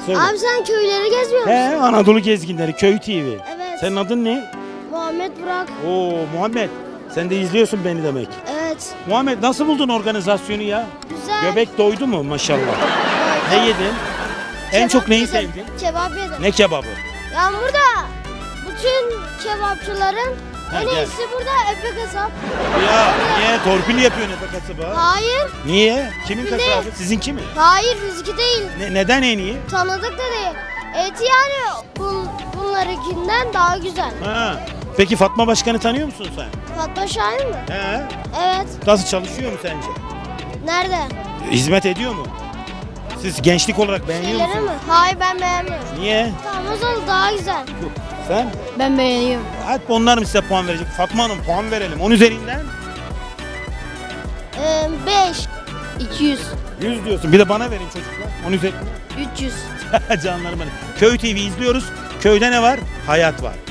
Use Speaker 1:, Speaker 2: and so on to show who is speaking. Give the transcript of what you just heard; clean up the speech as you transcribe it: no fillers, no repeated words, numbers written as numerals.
Speaker 1: Söyle.
Speaker 2: Abi sen köyleri gezmiyor musun?
Speaker 1: He, Anadolu Gezginleri, Köy TV.
Speaker 2: Evet.
Speaker 1: Senin adın ne?
Speaker 2: Muhammed Burak.
Speaker 1: Oo Muhammed. Sen de izliyorsun beni demek.
Speaker 2: Evet.
Speaker 1: Muhammed nasıl buldun organizasyonu ya?
Speaker 2: Güzel.
Speaker 1: Göbek doydu mu maşallah? Ne yedin? En
Speaker 2: Kebap
Speaker 1: çok neyi
Speaker 2: yedim.
Speaker 1: sevdin?
Speaker 2: Kebap yedim.
Speaker 1: Ne kebabı?
Speaker 2: Yani burada bütün kebapçıların
Speaker 1: Ha,
Speaker 2: en
Speaker 1: gel.
Speaker 2: iyisi burada Efe Kasap.
Speaker 1: Ya niye torpil yapıyorsun Efe kasabı?
Speaker 2: Hayır.
Speaker 1: Niye? Kimin
Speaker 2: Bir de-
Speaker 1: kasabı? Sizinki mi?
Speaker 2: Hayır bizimki değil.
Speaker 1: Neden en iyi?
Speaker 2: Tanıdık da değil. Eti yani bunlarınkinden daha güzel.
Speaker 1: Ha. Peki Fatma Başkan'ı tanıyor musun sen?
Speaker 2: Fatma Şahin mi?
Speaker 1: He.
Speaker 2: Evet.
Speaker 1: Nasıl çalışıyor mu sence?
Speaker 2: Nerede?
Speaker 1: Hizmet ediyor mu? Siz gençlik olarak beğeniyor
Speaker 2: Şeyleri
Speaker 1: musunuz?
Speaker 2: mi? Hayır ben beğenmiyorum.
Speaker 1: Niye?
Speaker 2: Tamam daha güzel.
Speaker 1: Sen?
Speaker 2: Ben beğeniyorum.
Speaker 1: Hadi onlar mı size puan verecek? Fatma Hanım puan verelim. 10 üzerinden
Speaker 2: 5. 200.
Speaker 1: 100 diyorsun. Bir de bana verin çocuklar. 10 üzerinden.
Speaker 2: 300.
Speaker 1: Canlarım benim. Köy TV izliyoruz. Köyde ne var? Hayat var.